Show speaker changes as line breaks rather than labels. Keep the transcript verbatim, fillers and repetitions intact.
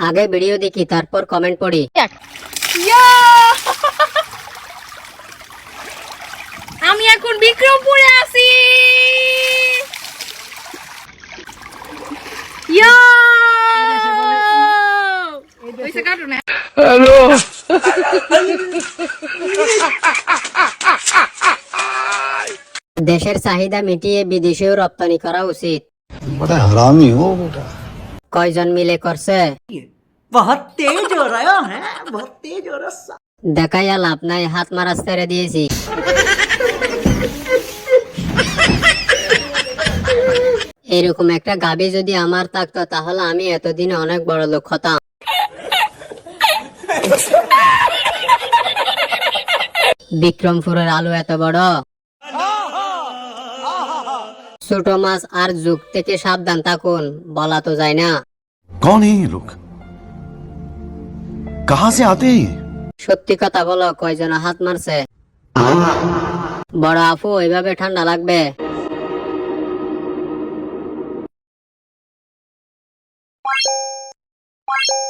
আগে ভিডিও দেখি তারপর কমেন্ট পড়ি।
আমি এখন বিক্রমপুরে আছি। ইয়া ওইসে কাটো না।
হ্যালো
দেশের চাহিদা মিটিয়ে বিদেশেও রপ্তানি করা উচিত।
बड़ा हरामी हो बेटा।
কয়জন মিলে করছে?
बहुत तेज हो रहा है, बहुत तेज हो रहा।
দেখাইয়া লাভ নাই, হাত মারা ছেড়ে দিয়েছি। এরকম একটা গাবি যদি আমার থাকতো তাহলে আমি এতদিনে অনেক বড় লোক হতাম। বিক্রমপুরের আলু এত বড়। ছোট মাছ আর যুগ থেকে সাবধান থাকুন, বলা তো যায় না।
कौन है ये लोग? कहाँ से आते हैं?
সত্যি কথা বলো, কয়জন হাত মারছে? বড় আপু, এইভাবে ঠান্ডা লাগবে।